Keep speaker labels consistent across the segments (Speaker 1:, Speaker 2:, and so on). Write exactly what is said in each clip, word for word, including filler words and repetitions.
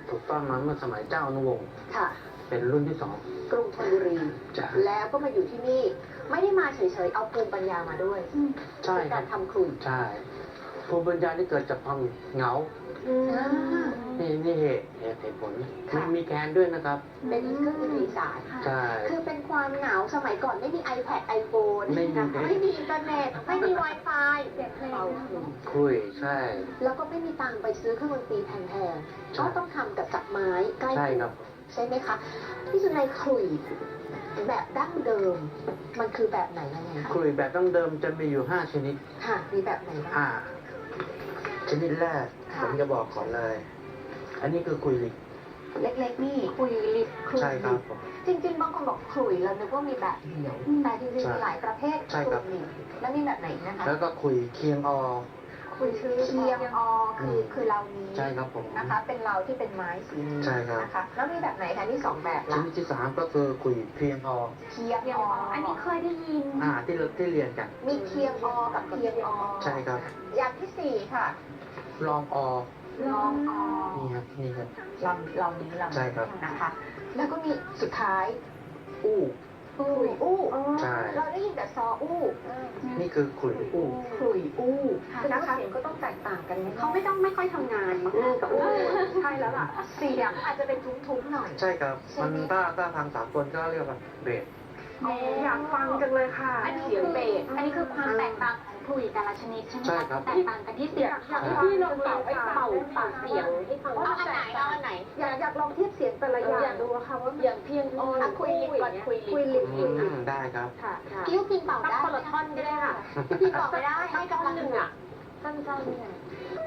Speaker 1: ถูกต้องมาเมื่อสมัยเจ้าอนุวงศ์
Speaker 2: ค่ะ
Speaker 1: เป็นรุ่นที่สอง
Speaker 2: กรุงธนบุรี
Speaker 1: จ้ะ
Speaker 2: แล้วก็มาอยู่ที่นี่ ไม่ได้มาเฉยๆ เอาภูมิปัญญามาด้วย
Speaker 1: ใช่คั
Speaker 2: การร
Speaker 1: บ
Speaker 2: ทำขลุ่ย
Speaker 1: ใช่ภูมิปัญญาที่เกิดจากความเหงา
Speaker 2: อืม
Speaker 1: นี่นี่เหตุเหตุเหตุผล
Speaker 2: ค่ะ
Speaker 1: มีมีแคนด้วยนะครับ
Speaker 2: เป็นเครื่องดนตรีสาย
Speaker 1: ใช่
Speaker 2: คือเป็นความเหงาสมัยก่อนไม่มี iPad iPhone
Speaker 1: ไม่มี
Speaker 2: นะคะไม่มีอินเทอร์เน็ต ไม่มี Wi-Fi เป่าขลุ่ย
Speaker 1: คุยใช่
Speaker 2: แล้วก็ไม่มีตังค์ไปซื้อเครื่องดนตรีแพงๆ
Speaker 1: ใช่
Speaker 2: ก็ต้องทำกับจักรไม้ใกล้
Speaker 1: ใช่
Speaker 2: ตัว
Speaker 1: ครับ
Speaker 2: ใช่ไหมคะพี่สุนัยขลุ่ยแบบดั้งเดิม มันคือแบบไหนยังไงคะ
Speaker 1: คุยแบบดั้งเดิมจะมีอยู่ห้าชนิด
Speaker 2: ค่ะ มีแบบไหนบ้าง
Speaker 1: อ่า ชนิดแรก
Speaker 2: ค่ะ
Speaker 1: ผมจะบอกก่อนเลย อันนี้คือคุยลิก
Speaker 2: เล็กๆนี่คุยลิบขลุ่ย
Speaker 1: ใช่ครับผม
Speaker 2: จริงๆ บางคนบอกขลุ่ยเรานึกว่ามีแบบเดียว แต่จริงๆ
Speaker 1: ใช่
Speaker 2: มีหลายประเภท
Speaker 1: ใช่ครับ
Speaker 2: ขลุ่ยแล้วมีแบบไหนนะคะ
Speaker 1: แล้วก็คุยเคียงอ
Speaker 2: คุยคือเคียงอคือคือเรานี้
Speaker 1: ใช่ครับผม
Speaker 2: นะคะ เป็นเราที่เป็นไม้สีนี้
Speaker 1: ใช่ครับ
Speaker 2: นะคะ แล้วมีแบบไหนคะที่สองแบบ
Speaker 1: ช
Speaker 2: ละ
Speaker 1: นิดที่สามก็คือคุยเพียงอ
Speaker 2: เคียงออันนี้เคยได้ยิน
Speaker 1: อ่าที่เราที่เรียนกัน
Speaker 2: มีเคียงอกับเคียงอ
Speaker 1: ใช่ครับ
Speaker 2: อย่างที่สี่ค่ะ
Speaker 1: ลองอ
Speaker 2: ลองอ
Speaker 1: นี่ครับนี่ครับ
Speaker 2: ลำเรานี้ลำ
Speaker 1: ใช่ครับ
Speaker 2: นะคะ แล้วก็มีสุดท้าย
Speaker 1: อู้
Speaker 2: ขลุ่ยอู้
Speaker 1: ใช่
Speaker 2: เราได้ยินแต่ซออู้
Speaker 1: นี่คือคุยอู้
Speaker 2: ขลุ่ยอู้
Speaker 3: ค่ะ
Speaker 2: นะคะเสียงก็ต้องแตกต่างกันไหม
Speaker 3: เขาไม่ต้องไม่ค่อยทำงานมั้ง
Speaker 2: อู้กับอู้
Speaker 3: ใช่แล้วล่ะ
Speaker 2: เสียงอาจจะเป็นทุ้มๆหน่อย
Speaker 1: ใช่ครับ มันถ้าถ้าทางสากลก็เรียกว่าเบส
Speaker 3: อยากฟังจังเลยค่ะ
Speaker 2: อันนี้เสียงเบส
Speaker 3: อันนี้คือความแตกต่างของขลุ่ยแต่ละชนิดใช่ไหม
Speaker 1: ใช่
Speaker 3: คะ
Speaker 1: ครับ
Speaker 3: แตกต่างกันที่เสียง
Speaker 2: อยากให้พี่ลองเป่าให้เป่าเป่าเสียงให้ฟังเอาอันไหนเอาอันไหน
Speaker 3: อยากอยากลองเทียบเสียงแต่ละอย่างดูค่ะว่า
Speaker 2: อย่างเพียงออนคุยลิปก่อนคุยลิปคุยลิป
Speaker 1: อืมได้ครับ
Speaker 3: ค่ะค่ะ
Speaker 2: กิ้วพินเป่า
Speaker 3: ตั้ง
Speaker 2: ได้
Speaker 3: คนละท่อนก็ได้ค่ะ
Speaker 2: พี่เป่าไม่ได้ให้กำลังหนึ่งอ่ะ
Speaker 3: สั้นๆเนี่ย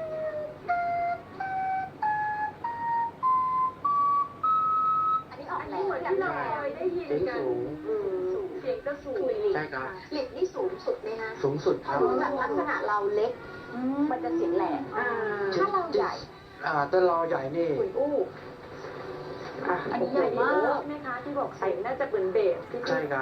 Speaker 2: อันนี้ออก
Speaker 3: อัน
Speaker 2: แร
Speaker 3: นี้
Speaker 2: ง
Speaker 3: เหมือนที่เราเคยได้ยิน
Speaker 1: เสียง
Speaker 3: กัน
Speaker 1: สูง
Speaker 3: เสียงจะสูง
Speaker 1: ใช่ครับ
Speaker 2: ลิปนี่สูงสุดไหมคะ
Speaker 1: สูงสุดครับ
Speaker 2: คือแบบลักษณะเราเล็ก มันจะเสียงแหลม
Speaker 3: อ่า
Speaker 2: ถ้าเราใหญ่
Speaker 1: อ่าถ้าเราใหญ่นี่
Speaker 2: คุยอู้
Speaker 3: อันนี้ใหญ่มากใช่ไหมคะที่บอกเสียงน่าจะเป็นเบสที่
Speaker 1: ใช่ครับ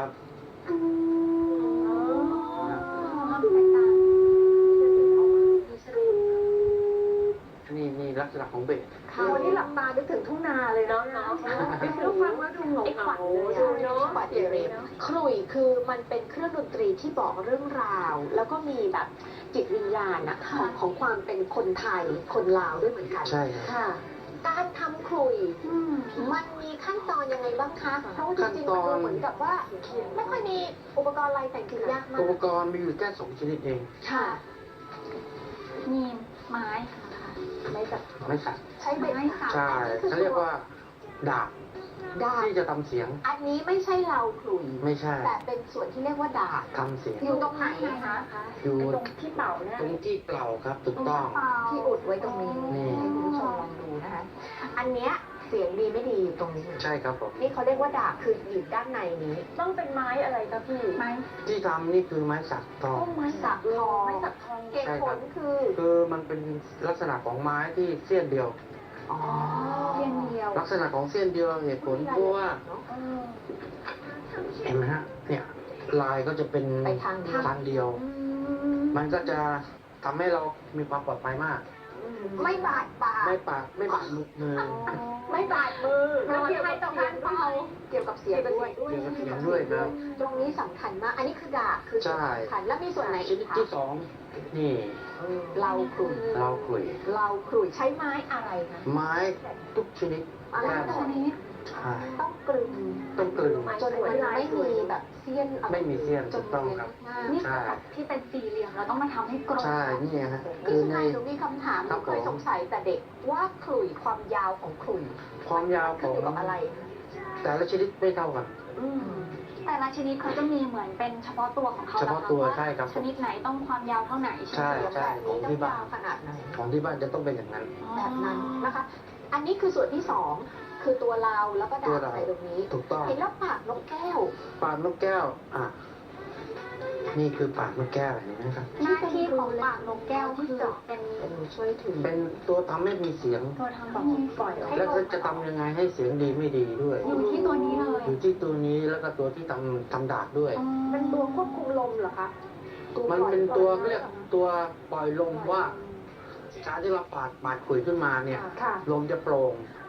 Speaker 1: นี่นี่ลักษณะของเบส
Speaker 3: ค่ะวันนี้หลับตานึกถึงทุ่งนาเลยเนาะเนาะดูฟังแล้วดูเหงาเหงาดูเนาะ
Speaker 2: ขวัญเรขลุ่ยคือมันเป็นเครื่องดนตรีที่บอกเรื่องราว แล้วก็มีแบบจิตวิญญาณนะของของความเป็นคนไทย คนลาวด้วยเหมือนกัน
Speaker 1: ใช่ครับ
Speaker 2: ค่ะ การทำขลุ่ยมันมีขั้นตอนยังไงบ้างคะ เพราะว่าจริงๆมันดูเหมือนกับว่า ไม่ค่อยมีอุปกรณ์อะไรแต่งถึงยากมา
Speaker 1: อุ
Speaker 2: ก
Speaker 1: ปกรณ์มีอยู่แค่สองชนิดเอง
Speaker 2: ค่ะ
Speaker 3: มีไม้ค่ะ
Speaker 2: ไม่แบบ
Speaker 1: ไม่สัก
Speaker 2: ใช้เป็น
Speaker 3: ไม้สัก
Speaker 1: ใช่เขาเรียกว่าดาบ
Speaker 2: ดาบ
Speaker 1: ที่จะทำเสียง
Speaker 2: อันนี้ไม่ใช่เราขลุ่ย
Speaker 1: ไม่ใช่
Speaker 2: แต่เป็นส่วนที่เรียกว่าดาบ
Speaker 1: ทำเสียง
Speaker 2: อยู่ตรงไหนคะ
Speaker 1: อยู่
Speaker 3: ตรงที่เป่าเนี่ย
Speaker 1: ตรงที่เปล่าครับถูกต้อง
Speaker 2: ที่อุดไว้ตรงนี้
Speaker 1: นี่
Speaker 2: ให้คุณผู้ชมลองดูนะคะ อันเนี้ยเสียงดีไม่ดีอยู่ตรงนี้
Speaker 1: ใช่ครับผม
Speaker 2: นี่เขาเรียกว่าดาบคืออยู่ด้านในนี้
Speaker 3: ต้องเป็นไม้อะไรคะพี่ ไม้
Speaker 1: ที่ทำนี่คือไม้สักทอง
Speaker 3: ไม้
Speaker 2: สักทอง
Speaker 3: ไม้สักทอง
Speaker 2: เหตุผลคือ
Speaker 1: คือมันเป็นลักษณะของไม้ที่เสี้ยนเดียว
Speaker 2: อ๋อ
Speaker 3: เพียงเดียว
Speaker 1: ลักษณะของเส้นเดียวเหตุผลเพราะว่า
Speaker 3: เออ
Speaker 1: เห็นไหมฮะเนี่ยลายก็จะเป็น
Speaker 2: ไปทางเดียว
Speaker 1: ทางเดียว มันก็จะทำให้เรามีความปลอดภัยมาก
Speaker 2: ไม่บาดปาก
Speaker 1: ไม่ปากไม่บาดมือมือ
Speaker 2: ไม่บาดมือ
Speaker 3: แล้วเกี่ยวกับ
Speaker 2: ต่อการเป่าเกี่ยวกับเสียงด้วย
Speaker 1: เกี่ยวกับเสียงด้วยครับ
Speaker 2: ตรงนี้สำคัญมาก อันนี้คือดาบคือส่วน
Speaker 1: ใช่
Speaker 2: สำคัญแล้วมีส่วนไหน
Speaker 1: ช
Speaker 2: อีก
Speaker 1: นิด
Speaker 2: คะ
Speaker 1: ที่สองนี่
Speaker 2: เราขลุ่ย
Speaker 1: เราขลุ่ย
Speaker 2: เราขลุ่ยใช้ไม้อะไรคะ
Speaker 1: ไม้ทุกชนิด
Speaker 2: อะไร
Speaker 1: แค่หม
Speaker 2: ช
Speaker 1: ด
Speaker 2: นิด
Speaker 1: ใช่
Speaker 2: ต้องกลึง
Speaker 1: ต้องกลึง
Speaker 2: จนมันไม่มีแบบเสี้ยนอะร
Speaker 1: ไม่มีเสี้ยน
Speaker 2: จ
Speaker 1: ถูกต้องครับ
Speaker 3: นี่
Speaker 1: ใช่
Speaker 3: คือแบบที่เป็นสี่เหลี่ยมเราต้องมาทำให้กลม
Speaker 1: ใช่นี่ฮะคื
Speaker 2: นี่
Speaker 1: อ
Speaker 2: ไง
Speaker 1: ใน
Speaker 2: หนูมีคำถามห
Speaker 1: ครั
Speaker 2: นู
Speaker 1: บ
Speaker 2: เคย
Speaker 1: ผม
Speaker 2: สงสัยแต่เด็กว่าขลุ่ยความยาวของขลุ่ย
Speaker 1: ความยาวข
Speaker 2: ขึ้น
Speaker 1: อ
Speaker 2: อง ยู่กับอะไร
Speaker 1: แต่ละชนิดไม่เท่ากัน
Speaker 2: อืม
Speaker 3: แต่ละชนิดเขาจะมีเหมือนเป็นเฉพาะตัวของเขา
Speaker 1: เฉพาะตัว
Speaker 3: แล้ว
Speaker 1: ใช่ครับ
Speaker 3: ชนิดไหนต้องความยาวเท่าไหนใช่
Speaker 1: ใช่
Speaker 3: ไหม
Speaker 1: ของที่บ้าน
Speaker 2: ขนาดไหน
Speaker 1: ของที่บ้านจะต้องเป็นอย่างนั้น
Speaker 2: แบบนั้นนะคะ อันนี้คือส่วนที่สองคือตัวเราแล้วก็ดา
Speaker 1: ตัว
Speaker 2: บ
Speaker 1: เรา
Speaker 2: ใส่ตรงนี้
Speaker 1: ถูกต้อง
Speaker 2: เห็นแล้วปากนกแก้ว
Speaker 1: ปากนกแก้ว อ่ะ นี่คือปากนกแก้วเห็นไหมครับ
Speaker 3: หน้าที่ของปากนกแก้วคือเป็น
Speaker 2: เป็นช่วยถือ
Speaker 1: เป็นตัวทำให้มีเสียง
Speaker 3: ตัวทำให้มีปล่อยออก
Speaker 1: แล้วก็จะทำยังไงให้เสียงดีไม่ดีด้วย
Speaker 3: อยู่ที่ตัวนี้เลย
Speaker 1: อยู่ที่ตัวนี้แล้วก็ตัวที่ทำทำดาบด้วย
Speaker 2: เป็นตัวควบคุมลมเหรอคะ
Speaker 1: มันเป็นตัวเขาเรียกตัวปล่อยลมว่าการที่เราปาดปาดขุยขึ้นมาเนี่ย
Speaker 2: ค่ะ
Speaker 1: ลมจะโปร่ง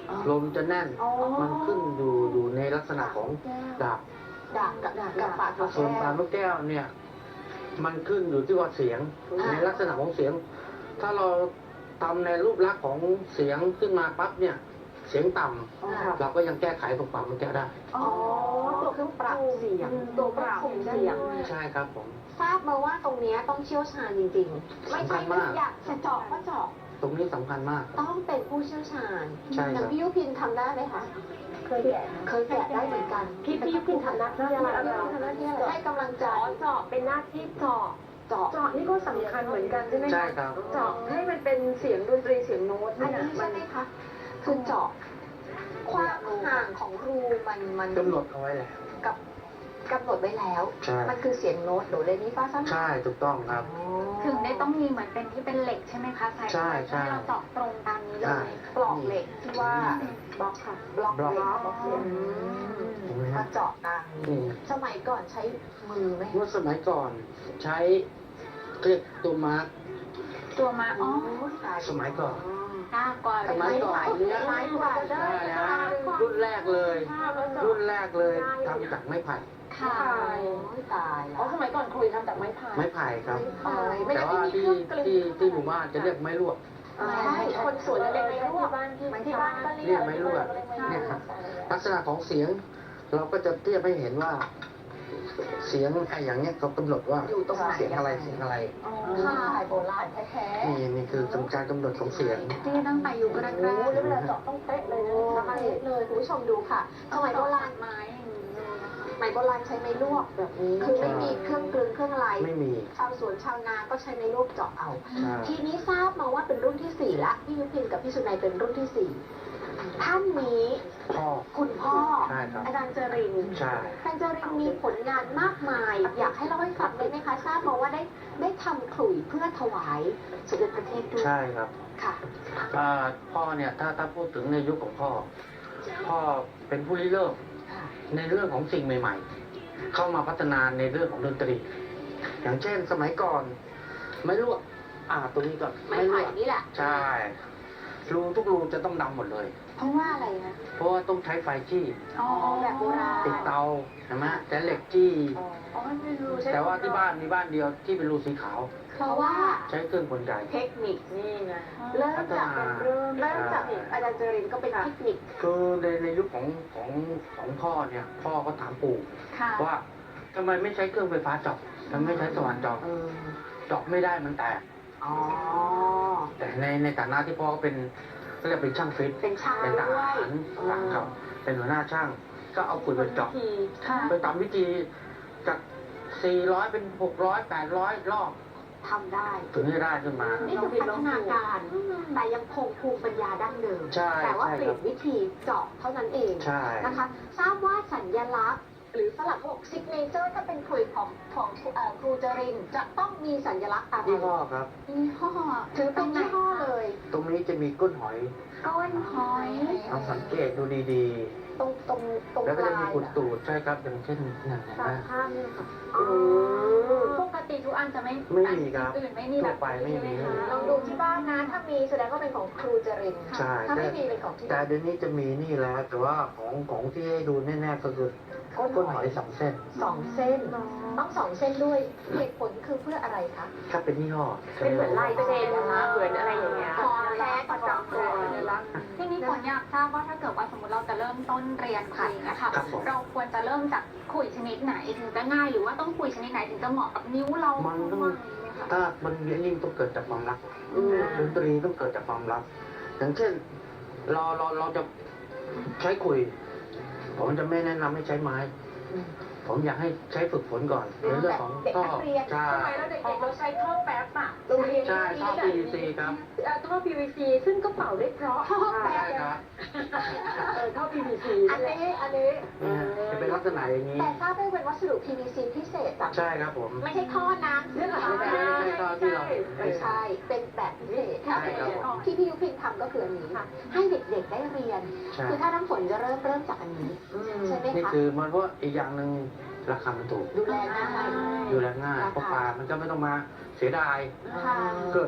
Speaker 1: ลมจะแน่น
Speaker 2: อ๋อ
Speaker 1: มันขึ้นอยู่อยู่ในลักษณะของดาบ
Speaker 2: ดาบกับกับปากกับ
Speaker 1: ส่วน
Speaker 2: แก้
Speaker 1: ปลาว นกแก้วเนี่ย มันขึ้นอยู่ที่ว่าเสียง
Speaker 2: อ่า
Speaker 1: ในลักษณะของเสียง ถ้าเราทำในรูปลักษณ์ของเสียงขึ้นมาปั๊บเนี่ย เสียงต่ำ
Speaker 2: อ่า
Speaker 1: เราก็ยังแก้ไขตรงปลาวนกแก้วได้
Speaker 2: อ๋อตัวเครื่องปรับเสียงตัวควบคุมเสียง
Speaker 1: ใช่ครับผม
Speaker 2: ทราบมาว่าตรงเนี้ยต้องเชี่ยวชาญจริงๆ ไม่ใช่
Speaker 1: สำคัญมาก
Speaker 2: อยากจะเจาะก็เจาะ
Speaker 1: ตรงนี้สำคัญมาก
Speaker 2: ต้องเป็นผู้เชี่ยวชาญ
Speaker 1: ใช่ครับ
Speaker 2: อย่างพี่ยุพินทำได้ไหมคะ
Speaker 3: เคยแกะ
Speaker 2: เคยแกะได้เหมือนกัน
Speaker 3: พี่พี่ยุพินทำหน้าที่อะไร
Speaker 2: พี่ยุพินทำหน้าที่อะไรให้กำลังใจ
Speaker 3: เจาะเจาะเป็นหน้าที่เจาะ
Speaker 2: เจาะ
Speaker 3: เจาะนี่ก็สำคัญเหมือนกันใช่ไหมะ
Speaker 1: ใช่ครับ
Speaker 3: เจาะให้มันเป็นเสียงดนตรีเสียงโน้ต
Speaker 2: อัน
Speaker 3: เนี่ย
Speaker 2: นี้
Speaker 3: มั
Speaker 2: ใช่
Speaker 3: น
Speaker 2: ไหมคะ คือเจาะความห่างของรูมันมัน
Speaker 1: กำหนดเอาไว้แล้ว
Speaker 2: กับกำหนดไว้แล้ว
Speaker 1: ใช่
Speaker 2: มันคือเสียงโน้ตโดเรมีฟาซัม
Speaker 1: ใช่ถูกต้องครับ
Speaker 4: ถึงได้ต้องมีเหมือนเป็นที่เป็นเหล็กใช่ไหมคะใส่
Speaker 1: ใช่ใช่
Speaker 4: ให้เราเจาะตรงตามนี้เล
Speaker 1: ใช่
Speaker 4: ย
Speaker 2: ปลอกเหล็กที่ว่า
Speaker 3: บล็อกค่ะ
Speaker 2: บล็อก
Speaker 1: บล็อก
Speaker 2: เหล็กบล็อกเหล็ก
Speaker 1: เห็นไหม
Speaker 2: มา
Speaker 1: ฮะ
Speaker 2: เจาะตามนี้
Speaker 1: นี่
Speaker 2: สมัยก่อนใช้มือไหม
Speaker 1: เมื่อสมัยก่อนใช้เรียกตัวมาร์ก
Speaker 4: ตัวมาอ๋อ
Speaker 1: สมัยก่อน
Speaker 4: หน้ากว่า
Speaker 1: สมัยก่อนเนี่ย
Speaker 2: ไม้กว่าได้
Speaker 1: ใช่ฮะรุ่นแรกเลย รุ่นแรกเลยทำจากไม้ไผ่
Speaker 4: ค่ะ
Speaker 2: โอ้ยตาย
Speaker 3: อ๋อ
Speaker 2: แล้ว
Speaker 3: สมัยก่อนคุยทำจากไม้พาย
Speaker 1: ไม้ไผ่ครับ
Speaker 2: ไม้ไม่
Speaker 1: แต่
Speaker 2: งั้น
Speaker 1: ว่า
Speaker 2: ไม่มี
Speaker 1: ที่
Speaker 2: เครื่องกลึง
Speaker 1: ที่ที่หมู่บ้านจะเรียกไม้ลวก
Speaker 2: ใช่คนสวนจะเรียกไม้ลวก
Speaker 3: บ้านที่
Speaker 2: ที่บ้านก็
Speaker 1: เรี
Speaker 2: เรี
Speaker 1: ย
Speaker 2: ย
Speaker 1: ก
Speaker 2: ก
Speaker 1: ไม้ลวกเนี่ยครับลักษณะของเสียง เราก็จะเทียบให้เห็นว่า เสียงไอ้อย่างเนี้ยเขากำหนดว่า
Speaker 2: อยู่ตรงไหน
Speaker 1: เสียงอะไรเสียงอะไร
Speaker 2: ค่ะโบราณแท้
Speaker 1: นี่นี่คือการกำหนดของเสียง
Speaker 4: ที่ตั้งแต่อยู่แรก
Speaker 2: ๆ
Speaker 4: ๆ
Speaker 2: โอ้แล้วเวลาเจาะต้องเป๊ะเลยนะคะเป๊ะเลยคุณผู้ชมดูค่ะสมัยโบราณ
Speaker 4: ไม้อย่างนี้เลยนะคะ
Speaker 2: สมัยโบราณใช้ไม้ลวกแบบนี้ คือไม่มีเครื่องกลึงเครื่องอะไร
Speaker 1: ไม่มี
Speaker 2: ชาวสวนชาวนาก็ใช้ไม้ลวกเจาะเอา
Speaker 1: ใช่
Speaker 2: ทีนี้ทราบมาว่าเป็นรุ่นที่สี่ละพี่ยุพินกับพี่สุนัยเป็นรุ่นที่สี่ท่านนี้
Speaker 1: พ่อ
Speaker 2: คุณพ่อ
Speaker 1: ใช่ครับ
Speaker 2: อาจารย์เจริญ
Speaker 1: ใช่
Speaker 2: อาจารย์เจริญมีผลงานมากมาย อยากให้เล่าให้ฟังได้ไหมคะ ทราบมาว่าได้ได้ทำขลุ่ยเพื่อถวายสมเด็จพระเทพด้วย
Speaker 1: ใช่ครับ
Speaker 2: ค่ะ
Speaker 1: อ่าพ่อเนี่ยถ้าถ้าพูดถึงในยุคของพ่อ พ่อเป็นผู้ริเริ่ม
Speaker 2: ค่ะ
Speaker 1: ในเรื่องของสิ่งใหม่ ๆ เข้ามาพัฒนาในเรื่องของดนตรี อย่างเช่น สมัยก่อน ไม่ลวกอ่าตัวนี้ก็
Speaker 2: ไม้
Speaker 1: ไม่ล
Speaker 2: ไผ่
Speaker 1: วก
Speaker 2: นี่แหละ
Speaker 1: ใช่รูทุกรูจะต้องดำหมดเลย
Speaker 2: เพราะว่าอะไรนะ
Speaker 1: เพราะว่าต้องใช้ไฟจี้
Speaker 4: อ๋อ
Speaker 2: แบบโบราณ
Speaker 1: ติดเตาใช่ไหมแต่เหล็กจี้
Speaker 3: อ๋อไม่รู้ใช่
Speaker 1: แต่ว่าที่บ้านมีบ้านเดียวที่เป็นรูสีขาว
Speaker 2: เพราะว่า
Speaker 1: ใช้เครื่องกลไก
Speaker 2: เทคนิค
Speaker 3: นี่ไง
Speaker 2: เริ่มจาก
Speaker 1: พัฒนา
Speaker 2: เริ่มเริ่มจากอาจารย์เจริญก็เป็นเทคนิค
Speaker 1: คือในในยุคของของของพ่อเนี่ย พ่อก็ถามปู่
Speaker 4: ค่ะ
Speaker 1: ว่าทำไมไม่ใช้เครื่องไฟฟ้าเจาะทำไมไม่ใช้สว่านเจาะ
Speaker 2: เออ
Speaker 1: เจาะไม่ได้มันแตก
Speaker 2: อ๋อ
Speaker 1: แต่ในในฐานะที่พ่อก็เป็นก็เรียกเป็นช่างฟิต
Speaker 2: เป็นช่าง
Speaker 1: เป็นท
Speaker 2: ด้ว
Speaker 1: หาย รทหารครับเป็นหัวหน้าช่าง ก็เอาขุดไปเจาะ
Speaker 4: ค่ะ
Speaker 1: ไปตามวิธีจากสี่ร้อยเป็นหกร้อยแปดร้อยรอบ
Speaker 2: ทำได้
Speaker 1: ถึงจะได้ขึ้นมา
Speaker 2: นี่คือพัฒนาการ แต่ยังคงภูมิปัญญาดั้งเดิม
Speaker 1: ใช่
Speaker 2: แต่ว่า
Speaker 1: ใช่
Speaker 2: เปลี่ยนวิธีเจาะเท่านั้นเอง
Speaker 1: ใช่
Speaker 2: นะคะ ทราบว่าสัญลักษณ์ หรือฝรั่งเขาบอกซิกเนเจอร์ถ้าเป็นครุยของของเอ่อครูจรินจะต้องมีสัญลักษณ์อะไร
Speaker 1: ยี่ห้อครับ
Speaker 4: ยี่ห้อ
Speaker 2: ถือเป็นยี่ห้อเลย
Speaker 1: ตรงนี้จะมีก้นหอย
Speaker 4: ก้นหอย
Speaker 1: ลองสังเกตดูดี
Speaker 2: ตรงตรงตรง
Speaker 1: ๆ แล้ว
Speaker 2: ป
Speaker 1: ก็จะ
Speaker 2: ลา
Speaker 1: มี
Speaker 2: ย
Speaker 1: ขุด
Speaker 2: น่ะ
Speaker 1: ตูดใช่ครับอย่างเช่นนั่นนะ
Speaker 3: ตาม
Speaker 1: ฮะ
Speaker 3: ภาพนี่ค่ะ
Speaker 2: อ๋อ
Speaker 4: ปกติทุกอันจะไม่
Speaker 1: ไม่มีครับ
Speaker 4: อื่นไม่มีแบบ
Speaker 1: ทั่วไปไม่มี
Speaker 4: ใช่หคะ
Speaker 2: ลองดูที่บ้านนะ ถ้ามีแสดงว่าเป็นของครูจริน
Speaker 1: ใช่
Speaker 2: ถ้า
Speaker 1: แต่
Speaker 2: ไม่มีเป็นของที่
Speaker 1: แต่เดี๋ยวนี้จะมีนี่แล้ว แต่ว่าของของที่ให้ดูแน่ๆก็คือก้นหอยสองเส้น
Speaker 2: สองเส้น ต้องสองเส้นด้วยเหตุผลคือเพื่ออะไรคะ
Speaker 1: ถ้าเป็นยี่ห้อ
Speaker 3: เป็นเหมือนลายเซ็นนะเหมือนอะไรอย่างเงี้ย
Speaker 2: ของแท้ประจำตัว
Speaker 4: ทีนี้ฝนอยากทราบว่าถ้าเกิดว่าสมมติเราจะเริ่มต้นเรียนขลุยนะคะ
Speaker 1: ครับผม
Speaker 4: เราควรจะเริ่มจากขลุยชนิดไหนถึงจะง่ายหรือว่าต้องขลุยชนิดไหนถึงจะเหมาะกับนิ้วเรา
Speaker 1: มันต้อง
Speaker 4: บ้างไหมคะ
Speaker 1: ถ้ามันเรียนนี่ต้องเกิดจากความรัก
Speaker 2: อืม
Speaker 1: ดนตรีต้องเกิดจากความรัก อย่างเช่น เราเราเราจะใช้คุย ผมจะไม่แนะนำให้ใช้ไม้ ผมอยากให้ใช้ฝึกฝนก่อนในเรื่องของ
Speaker 2: เด็ก
Speaker 1: ท่อ
Speaker 2: นักเรียน
Speaker 1: ใช่
Speaker 3: สมัยเราเด็กๆเราใช้ท่อแป๊บอะโรงเรียน
Speaker 1: ใช่ท่อ พี วี ซี ครับ
Speaker 3: เอ่อท่อ พี วี ซี ซึ่งก็เป่าได้เพราะ
Speaker 2: ท่อแป๊
Speaker 1: ใช่
Speaker 2: บ
Speaker 1: ครับ
Speaker 3: เออท่อ พี วี ซี
Speaker 2: อันนี้อันนี้
Speaker 1: เนี่ยจะเป็นลักษณะอย่างนี้
Speaker 2: แต่ทราบได้เป็นวัสดุ พี วี ซี พิเศษแบบ
Speaker 1: ใช่ครับผม
Speaker 2: ไม่ใช่ท่อน้ำ
Speaker 3: เรื่องอะไร
Speaker 1: ไม่ใช่ไม่ใช่ท่อที่เราเห็น
Speaker 2: ไม่ใช่ เป็นแบบพิเศษ
Speaker 1: ใช่ครับผม
Speaker 2: ที่พี่ยุพินทำก็คืออันนี้ ให้เด็กๆได้เรียน
Speaker 1: ใช่
Speaker 2: คือถ้าน้ำฝนจะเริ่มเริ่มจากอันนี้ ใช่ไหม
Speaker 1: นี่
Speaker 2: คะ
Speaker 1: คือมันเพราะอีกอย่างหนึ่งราคามันถูก
Speaker 2: ดูแลง่าย
Speaker 1: ดูแลง่ายเพราะปลามันก็ไม่ต้องมาเสียดาย
Speaker 2: ค่ะ
Speaker 1: เกิด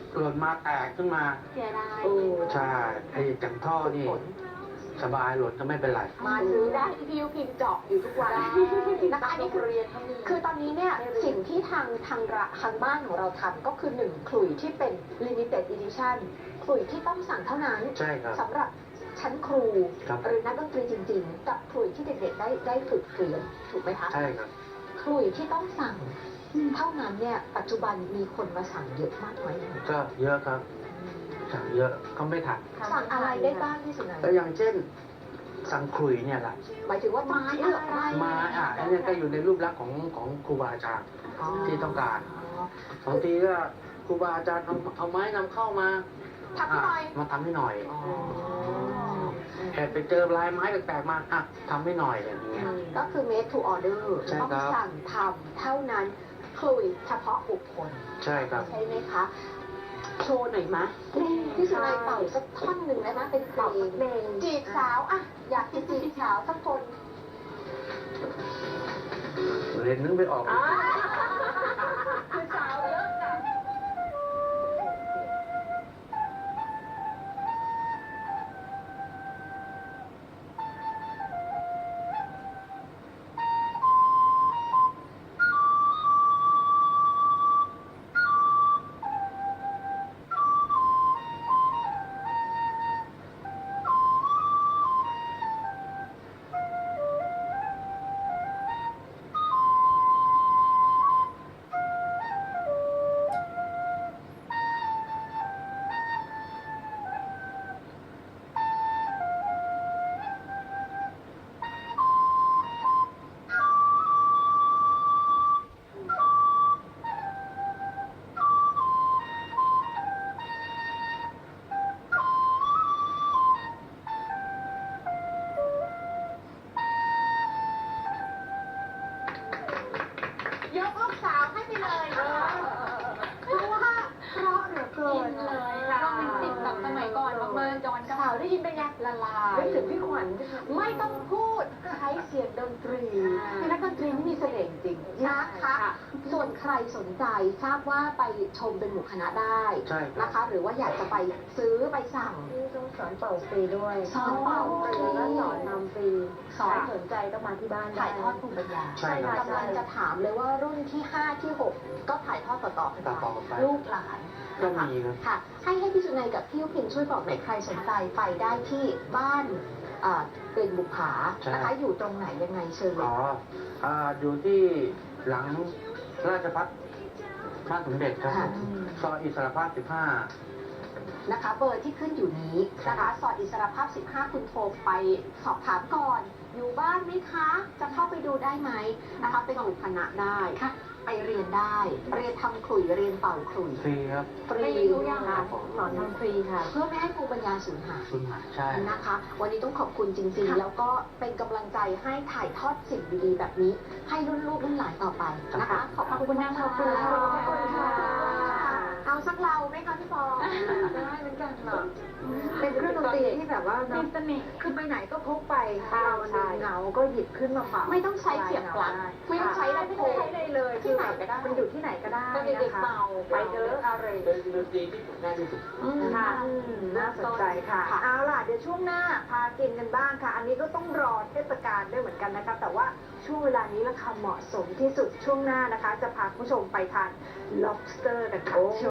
Speaker 1: หล่นมาแตกขึ้นมา
Speaker 4: เสียดาย
Speaker 2: โอ้
Speaker 1: ใช่ไอ้จังท่อนี่
Speaker 2: ผล
Speaker 1: สบายหล่นก็ไม่เป็นไร
Speaker 2: มาซื้อได้ที่พี่ยุพิมพ์เจาะอยู่ทุกวันนะคะอันนี้คือ
Speaker 3: เรียนเขามี
Speaker 2: คือตอนนี้เนี่ยสิ่งที่ทางทางระทางบ้านของเราทำก็คือหนึ่งขลุ่ยที่เป็น limited edition ขลุ่ยที่ต้องสั่งเท่านั้น
Speaker 1: ใช่ครับ
Speaker 2: สำหรับชั้นครู
Speaker 1: ครับ
Speaker 2: หรือนักดนตรีจริง ๆ กับขลุ่ยที่เด็กๆได้ได้ฝึกเรียนถูกไหมคะ
Speaker 1: ใช่ครับ
Speaker 2: ขลุ่ยที่ต้องสั่งเท่านั้นเนี่ยปัจจุบันมีคนมาสั่งเยอะมากน้อยยังไง
Speaker 1: ก็เยอะครับสั่งเยอะก็ไม่ทัน
Speaker 2: สั่งอะไรได้บ้างที่สุดไหน
Speaker 1: ก็อย่างเช่น สั่งขลุ่ยเนี่ยแหละ
Speaker 2: หมายถึงว่าไม้อะไร
Speaker 1: ไม้อ่ะอันเนี้ยก็อยู่ในรูปลักษณ์ของของครูบาอาจารย์ ที่ต้องการ บางทีก็ครูบาอาจารย์เอาเอาไม้นำเข้ามา
Speaker 2: ทำให้หน่อย
Speaker 1: ะมาทำให้หน่อย
Speaker 2: อ๋อ
Speaker 1: แอบไปเจอลายไม้แปลกๆมาอ่ะทำให้หน่อยอย่างเงี้ย
Speaker 2: ก็คือ made to order
Speaker 1: ใช่
Speaker 2: ต้อง
Speaker 1: ครับ
Speaker 2: สั่งทำเท่านั้นขลุ่ยเฉพาะบุคคล
Speaker 1: ใช่ครับ
Speaker 2: ใช่ไหมคะ โชว์หน่อยมะพี่สุนัยเป่าสักท่อนหนึ่งได้ไหมเป็นเพลง
Speaker 3: เพลง
Speaker 2: จีบสาวอะอยากจะจีบสาวสักคน
Speaker 1: เรียนนึกไม่ออก
Speaker 3: คือสาวเยอะจัง
Speaker 2: ยกลูกสาวให้ไปเลยเพราะว่าเพราะเหลือเกิ
Speaker 4: อิ
Speaker 2: น
Speaker 4: นเลยโรแมนติกแบบสมัยก่อนมากๆจอนก็
Speaker 2: สาวได้ยินเป็นไงละลาย
Speaker 3: นึกถึงพี่ขวัญ
Speaker 2: ไม่ต้องพูดใช้เสียงดนตรีเป็นนักดนตรีที่มีเสน่ห์จริงนะคะ ส่วนใครสนใจทราบว่าไปชมเป็นหมู่คณะได้
Speaker 1: ใช่ครับ
Speaker 2: นะคะ หรือว่าอยากจะไปซื้อไปสั่ง
Speaker 3: นี่ต้องสอนเป่าฟรีด้วย
Speaker 2: สอนเป่าฟรี
Speaker 3: แล้วก็สอนนำฟรี
Speaker 2: สอน
Speaker 3: สนใจต้องมาที่บ้านได้
Speaker 2: ถ่ายทอดภูมิปัญญา
Speaker 1: ใช่ครับ
Speaker 2: กำลังจะถามเลยว่ารุ่นที่ห้าที่หกก็ถ่ายทอดต่อๆกัน
Speaker 1: ต่อๆไป
Speaker 2: ลูกหลาน
Speaker 1: ก็
Speaker 2: นะคะ
Speaker 1: มีครับ
Speaker 2: ค่ะ ให้ให้พี่สุนัยกับพี่ยุพินช่วยบอกหน่อยใครสนใจไปได้ที่บ้านเอ่อเป็นบุปผา
Speaker 1: ใช่
Speaker 2: นะคะอยู่ตรงไหนยังไงเชิญเลย
Speaker 1: อ๋ออ่าอยู่ที่หลังราชพัฒบ้านสมเด็จครับ
Speaker 2: ค่ะ
Speaker 1: ซอยอิสรภาพสิบห้า
Speaker 2: นะคะเบอร์ที่ขึ้นอยู่นี้นะคะซอยอิสรภาพ สิบห้า คุณโทรไปสอบถามก่อน อยู่บ้านไหมคะ จะเข้าไปดูได้ไหมนะคะเป็นหมู่คณะได้ไปเรียนได้ เรียนทำขลุ่ยเรียนเป่าขลุ่ย
Speaker 1: ฟรีครับ
Speaker 2: ฟรี
Speaker 3: ทุกอย่าง
Speaker 2: ค่ะ
Speaker 3: สอนทำฟรีค่ะ
Speaker 2: เพื่อไม่ให้ภูมิปัญญาสูญหาย
Speaker 1: คุณหมายใช่
Speaker 2: นะคะ วันนี้ต้องขอบคุณจริง ๆ แล้วก็เป็นกำลังใจให้ถ่ายทอดสิ่งดีๆ แบบนี้ ให้รุ่นลูกรุ่นหลานต่อไปนะคะ ขอบคุณมาก
Speaker 3: ขอบคุณค่ะ
Speaker 2: ขอบคุณค่ะเอาสักเราไหมคะพี่ฟอง
Speaker 3: ได้เหมือนกันค่ะ เป็นเครื่องดนตรีที่แบบว่า
Speaker 4: มี
Speaker 3: เนาะ
Speaker 4: เสน่ห์
Speaker 3: คือไปไหนก็พกไป
Speaker 2: ใช่
Speaker 3: เราเหงาก็หยิบขึ้นมาฝาก
Speaker 2: ไม่ต้องใช้เสียบปลั๊กไม่ต้องใช้ลำ
Speaker 3: ไม่
Speaker 2: โพ
Speaker 3: ต้อง
Speaker 2: ง
Speaker 3: ใช้เลยเลย
Speaker 2: ที่ไหนก็ได้
Speaker 3: มันอยู่ที่ไหนก็ได้
Speaker 2: ก็เด็
Speaker 3: นะ
Speaker 2: กๆ
Speaker 3: คะ
Speaker 2: เป่า
Speaker 3: ไปเถอะอะไร
Speaker 1: เป็นดนตรีที่ฝึกง่ายที่สุด
Speaker 2: อืม
Speaker 3: ค่ะอืมน่าสนใจค่ะ เอาล่ะ เดี๋ยวช่วงหน้าพากินกันบ้างค่ะ อันนี้ก็ต้องรอเทศกาลด้วยเหมือนกันนะคะ แต่ว่าช่วงเวลานี้ราคาเหมาะสมที่สุดช่วงหน้านะคะ จะพาคุณผู้ชมไปทาน lobster นะคะ